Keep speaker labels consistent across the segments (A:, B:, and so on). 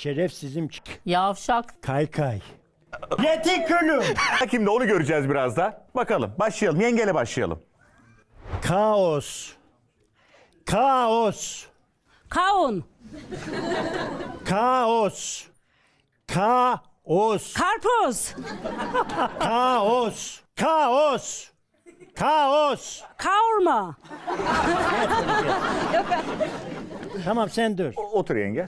A: Şerefsizim.
B: Yavşak.
A: Kaykay. Retikülüm.
C: Şimdi onu göreceğiz biraz da. Bakalım. Başlayalım. Yengeyle başlayalım.
A: Kaos. Kaos.
D: Kavun.
A: Kaos. Kaos.
D: Karpuz.
A: Kaos. Kaos. Kaos.
D: Kavurma.
A: Tamam sen dur.
C: Otur yenge.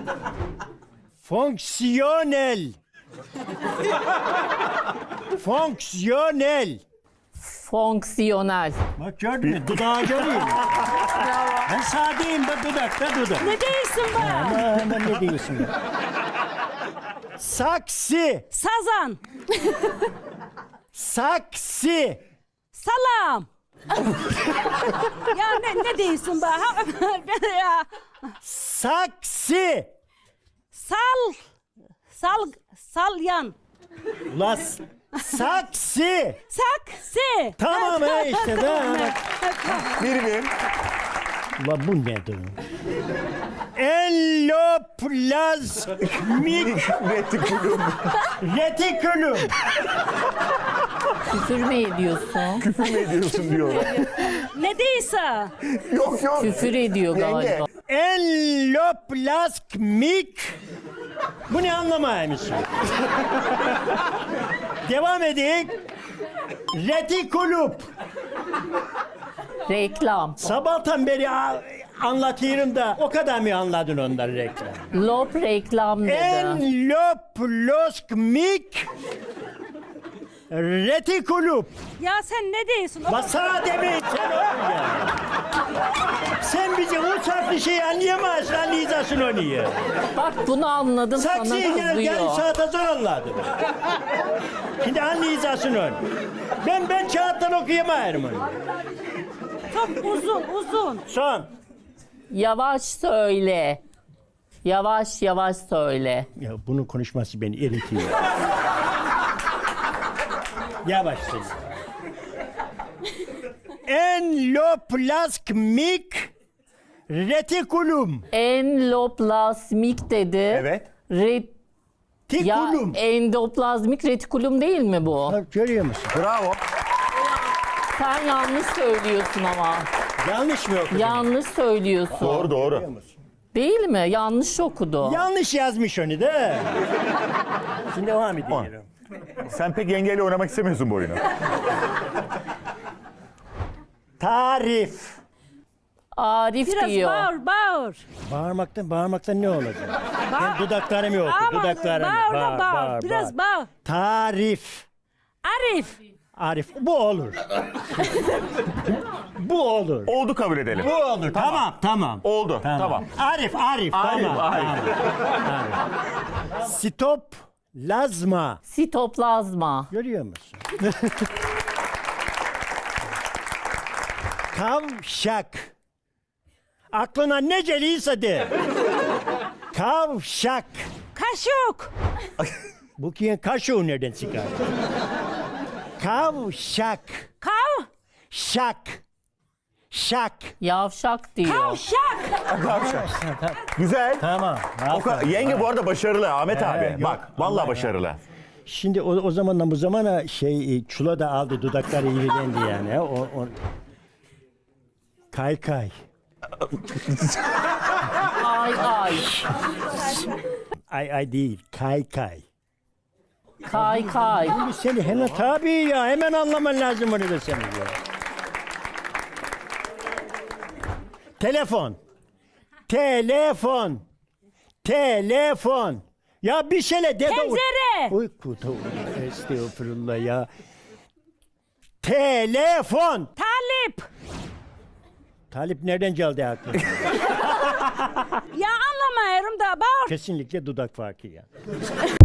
A: Fonksiyonel. Fonksiyonel.
B: Fonksiyonel.
A: Bak gördün mü? Dudağı göreyim. Ben sadeyim bak dudakta dudak.
D: Ne değilsin be?
A: Hemen ne diyorsun ya? Saksi.
D: Sazan.
A: Saksi.
D: Salam. Ya ne değilsin be? Ya.
A: Saksi.
D: Salyan.
A: Ulan saksi.
D: Saksi.
A: Tamam ha işte tamam.
C: Bir.
A: Ulan bu nedir? Endoplazmik
C: Retikulum.
A: retikülüm.
B: Küfür mü ediyorsun?
C: Küfür mü ediyorsun diyor.
D: Ne değilse.
C: Yok.
B: Küfür ediyor
C: Yenge.
B: galiba.
A: Endoplazmik. Bu ne anlamaymışsın? Devam edik. Retikulup.
B: Reklam.
A: Sabahtan beri anlatıyorum da o kadar mı anladın onları reklam?
B: Lop reklam dedi.
A: Endoplazmik retikulup.
D: Ya sen ne değilsin?
A: Masana demeyin sen oğlum ya. Sen bizi uçaklı şeyi anlayamazsın, anlayacaksın onu ya.
B: Bak bunu anladım sana
A: Saksıya gel, yarım
B: kızıyor.
A: saate zor anladım. Şimdi anlayacaksın onu. Ben kağıttan okuyamıyorum onu.
D: Çok uzun.
A: Son.
B: Yavaş söyle. Yavaş söyle.
A: Ya bunun konuşması beni eritiyor. Yavaş söyle. Endoplazmik retikulum.
B: Endoplazmik dedi.
C: Evet.
B: Ya
A: Tikulum.
B: endoplazmik retikulum değil mi bu?
A: Bak, görüyor musun?
C: Bravo.
B: Sen yanlış söylüyorsun ama.
A: Yanlış mı okudun?
B: Yanlış söylüyorsun.
C: Doğru.
B: Değil mi? Yanlış okudu.
A: Yanlış yazmış onu da. Şimdi devam ediyorum.
C: Sen pek yengeyle oynamak istemiyorsun bu oyunu.
A: Tarif.
B: Arif
D: Biraz
B: diyor.
D: bağır.
A: Bağırmaktan ne olacak? Ben dudaklarımı oku,
D: Ama
A: dudaklarımı.
D: bağır. Biraz bağır.
A: Tarif.
D: Arif.
A: Bu olur. Bu olur.
C: Oldu kabul edelim.
A: Bu olur. Tamam.
C: Oldu. Tamam.
A: Arif. Tamam. Stop. Lazma.
B: Sitoplazma.
A: Görüyor musun? Kavşak. Aklına ne geliyse de. Kavşak.
D: Kaşık.
A: Bu ki kaşığı nereden çıkar? Kavşak. Şak.
B: Yavşak diyor.
D: Kavşak.
C: Güzel.
A: Tamam.
C: Yenge bu arada başarılı Ahmet abi.
A: yok.
C: Bak vallahi başarılı.
A: Şimdi o zamandan bu zamana çula da aldı, dudakları irilendi yani. Kaykay.
B: Ay.
A: Ay değil, kaykay.
B: Kay.
A: Şimdi seni hemen tabii ya, hemen anlaman lazım onu da senin ya. Telefon. Ya bir şeyle de.
D: Tencere.
A: Oy kutu. Estağfurullah ya. Telefon. Talip nereden geldi aklına?
D: Ya anlamıyorum da bağır.
A: Kesinlikle dudak farkı ya.